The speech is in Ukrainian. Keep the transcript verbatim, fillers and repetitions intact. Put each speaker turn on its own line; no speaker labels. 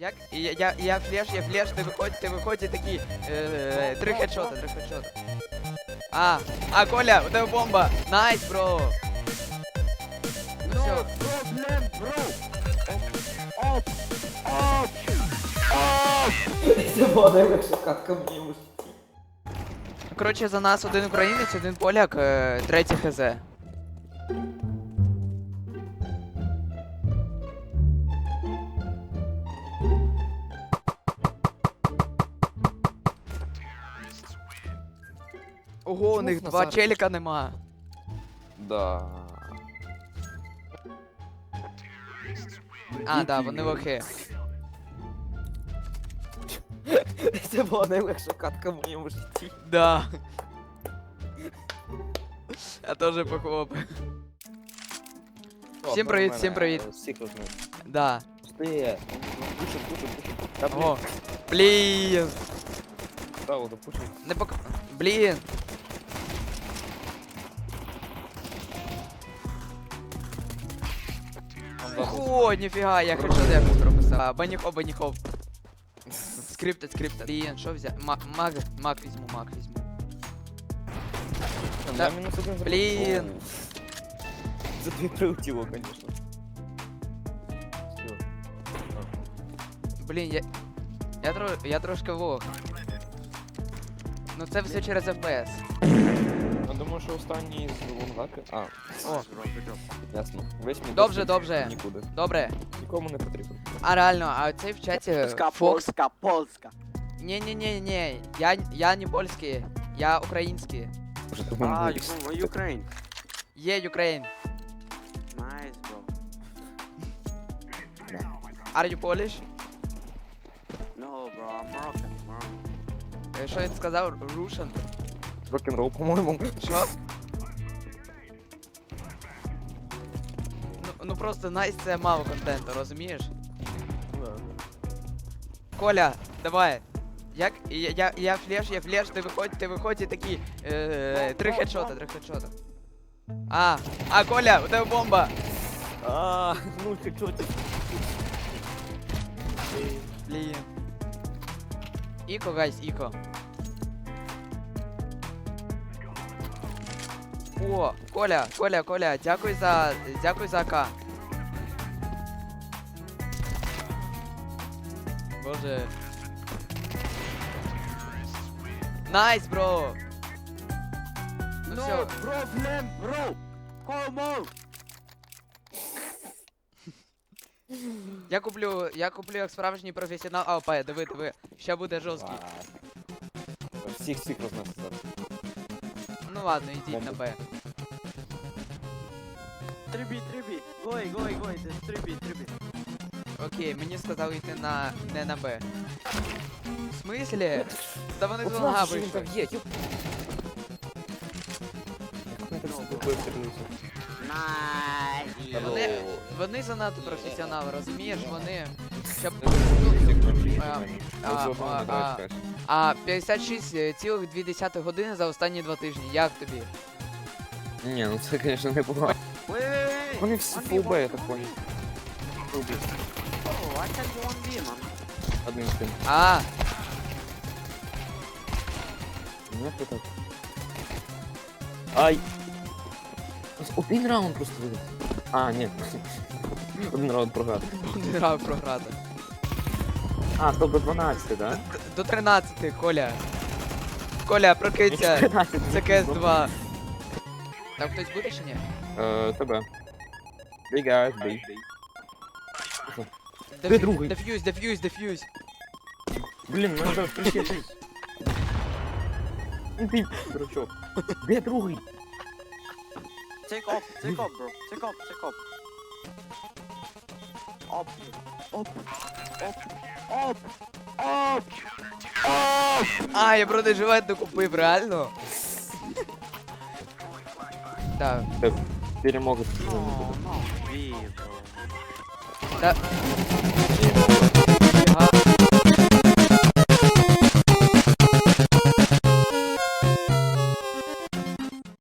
Як? Я, я, я флеш, я флеш, ти виходь, ти виходь і такі. Е, три хедшота, три хедшота. А, а, Коля, у тебе бомба. Найс, бро. Ну все.
Проблем, бро. Оп, оп,
Це була найлегша катка в моєму житті.
Коротше, за нас один українець, один поляк, е, третій хз. Ого, у них
Чому
два
Назар?
челіка нема.
Да.
А, да, вони лохи.
Це була найлегша катка в моєму житті.
Да. Я теж похлопаю. Всім привіт, всім привіт.
Всіх розумію.
Да.
Пусти. Пушим, пушим, пушим. Та блін,
О. Блін.
право, допушим.
Не пок... Блін. О, ніфіга, я хедшот якось прописав. Баніхоп, баніхоп. Скриптед, скриптед. Блін, що взяти? Мак, мак, мак візьму, мак візьму.
Да, мінус один зробив.
Блін.
О. За дві прилетіло, конечно. Всё.
Блін, я... Я, тро... я трошки лох. Ну це все через еф пі ес.
Я думаю, що останній з лонгаки. А,
О,
ясно. Весь мій
Добре,
досвід
добре.
Нікуди.
добре.
Нікому не потрібен.
А реально, а цей в чаті
Польська,
Фокс...
польська, польська.
Не-не-не-не, я, я не польський, я український.
Може, ти
А,
мене
you, Ukraine.
Є Ukraine.
Nice, bro.
Are you Polish?
No, bro, I'm Moroccan, Moroccan.
Е, Що він сказав? Russian?
рок-н-рол, по-моєму.
Що? Ну, ну просто найс це мало контенту, розумієш? Коля, давай. Як? Я, я, я флеш, я флеш, ти виходь, ти виходь і такі. Е, три хедшота, три хедшота. А, а, Коля, у тебе бомба.
А, ну ти чого ти?
Блін. Іко, гайс, іко. О, Коля, Коля, Коля, дякую за. Дякую за АК. Боже. Найс, бро! Ну все.
No problem, bro. Come on.
Я куплю, я куплю як справжній професіонал АВП, диви, диви. Ще буде жорсткий.
Всіх всіх рознесли зараз.
Ну ладно, йдіть на Б.
три бі, три бі. Гой, гой, гой, три бі, три бі.
Окей, мені сказали йти на не на Б. В смислі? Та вони з
От
лонга
наш, що він
вийшли.
там є, юп. Як вони так з тобою стрілюються?
Nice.
Вони, вони занадто професіонали, розумієш? Вони. Щоб... А, а, а, а, а п'ятдесят шість цілих дві десятих години за останні два тижні. Як тобі?
Ні, ну це, звісно, не було.
Wait, wait, wait.
Вони всі
One v
фулбе, я
one.
так понял.
Oh, I can do one v, man.
Одним з тим.
А,
Ну, як так? Ай! Один раунд просто виграв. А, ні. Один раунд програв.
один раунд програти.
А, стоп, до дванадцяти, да?
До тринадцяти, Коля. Коля, прокинься.
тринадцять.
Це К С два. Там хтось буде чи ні?
Е, тебе. Big guys, big. Де
Деф-
другий?
Деф'юз, деф'юз, деф'юз.
Блін, мене зараз прищепись. Ну ти, дурачок. Де другий?
Take off, take off, bro. Take off, take off. Up, up, up, up, up, up.
А, я бронежилет докупив, реально? Так,
Перемога.
No, no, V, bro.
та... Ага.